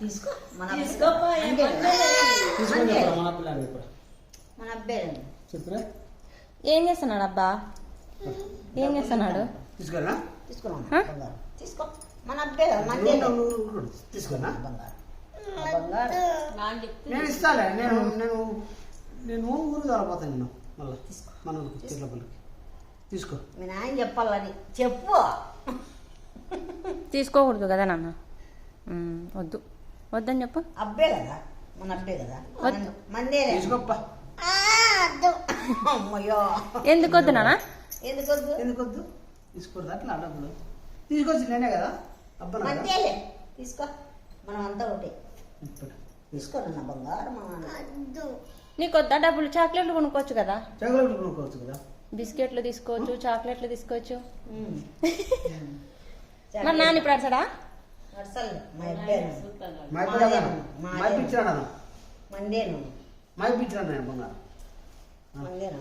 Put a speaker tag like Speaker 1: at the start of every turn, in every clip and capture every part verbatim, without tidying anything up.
Speaker 1: తీసుకో మన
Speaker 2: తీసుకోపా, ఏం పర్లేదు.
Speaker 3: తీసుకొని చెప్పరా మన పిల్లని ఇప్పుడు
Speaker 1: మన అబ్బాయి
Speaker 3: చెప్పరా
Speaker 4: ఏం చేస్తున్నాడు అబ్బా? ఏం చేస్తున్నాడు?
Speaker 3: తీసుకురా
Speaker 1: తీసుకున్నాం
Speaker 4: హ?
Speaker 1: బంగారు తీసుకో మన అబ్బాయి కదా మనదే
Speaker 3: తీసుకున్నా
Speaker 1: బంగారు ఆ బంగారు
Speaker 2: నాకు చెప్తే
Speaker 3: నేను ఇస్తాలే నేను నేను నేను ఊరు తరపోతాను నేను మళ్ళీ మన ఊరికి తిరుపతికి తీసుకో
Speaker 1: మీ నాయన చెప్పాలని చెప్పు
Speaker 4: తీసుకోకూడదు కదా నాన్న. ఉమ్, వద్దు వద్దని చెప్పు.
Speaker 1: అబ్బాయి కదా మన అబ్బాయి కదా
Speaker 4: వద్దు.
Speaker 1: మందే
Speaker 3: తీసుకోప్పా
Speaker 1: అమ్మయ్యో
Speaker 4: ఎందుకు వద్దు నాన్న?
Speaker 1: ఎందుకు వద్దు
Speaker 3: ఎందుకు వద్దు తీసుకోరు అట్లా డబ్బులు తీసుకొచ్చి నేనే కదా అబ్బా నా కదా.
Speaker 1: మందేలే తీసుకో మనం అంతా ఒకటి
Speaker 3: ఇప్పుడు
Speaker 1: తీసుకోరన్న బంగారు మన
Speaker 4: నీకు వద్దా డబ్బులు? చాక్లెట్లు కొనుక్కోవచ్చు కదా,
Speaker 3: చాక్లెట్లు కొనుక్కోవచ్చు కదా.
Speaker 4: బిస్కెట్లు తీసుకోవచ్చు, చాక్లెట్లు తీసుకోవచ్చు.
Speaker 1: ఉమ్.
Speaker 4: మరి నాన్న ఇప్పుడు అడసడా?
Speaker 1: అసలు మా అబ్బాయి
Speaker 2: చూస్తాను.
Speaker 3: మా ఇప్పుడు మా ఇప్పించాను
Speaker 1: మందేను
Speaker 3: మా ఇప్పించాను నేను బంగారు
Speaker 1: మందేను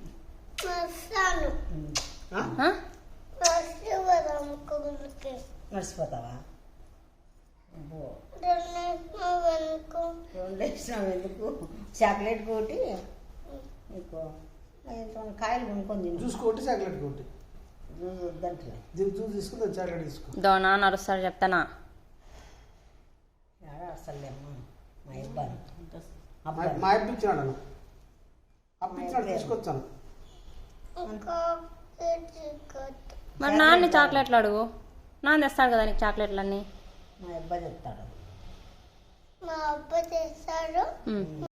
Speaker 3: ఆ?
Speaker 4: ఆ?
Speaker 1: మర్చిపోతావా అబ్బో. రెండు వేసినావు ఎందుకు చాక్లెట్ కోటి నీకు ఇంట్లో కాయలు కొనుక్కొని తిను
Speaker 3: జ్యూస్ కొట్టి చాక్లెట్ కొట్టి
Speaker 1: జ్యూస్ వద్దంటలే
Speaker 3: దీనికి జ్యూస్ తీసుకుని చాక్లెట్ తీసుకో
Speaker 4: దో నాన్న అరుస్తాడు చెప్తానా?
Speaker 1: ఏడ అసలు అమ్మ మా అబ్బాయి
Speaker 3: మా
Speaker 1: అబ్బాయి
Speaker 3: మా ఇప్పించాను అప్పించాడు తీసుకొచ్చాను
Speaker 4: మరి నాన్న చాక్లెట్లు అడుగు, నాన్న తెస్తాడు కదా నీకు చాక్లెట్లు అన్నీ.
Speaker 1: మా అబ్బాయి చెప్తాడు
Speaker 4: ఉమ్.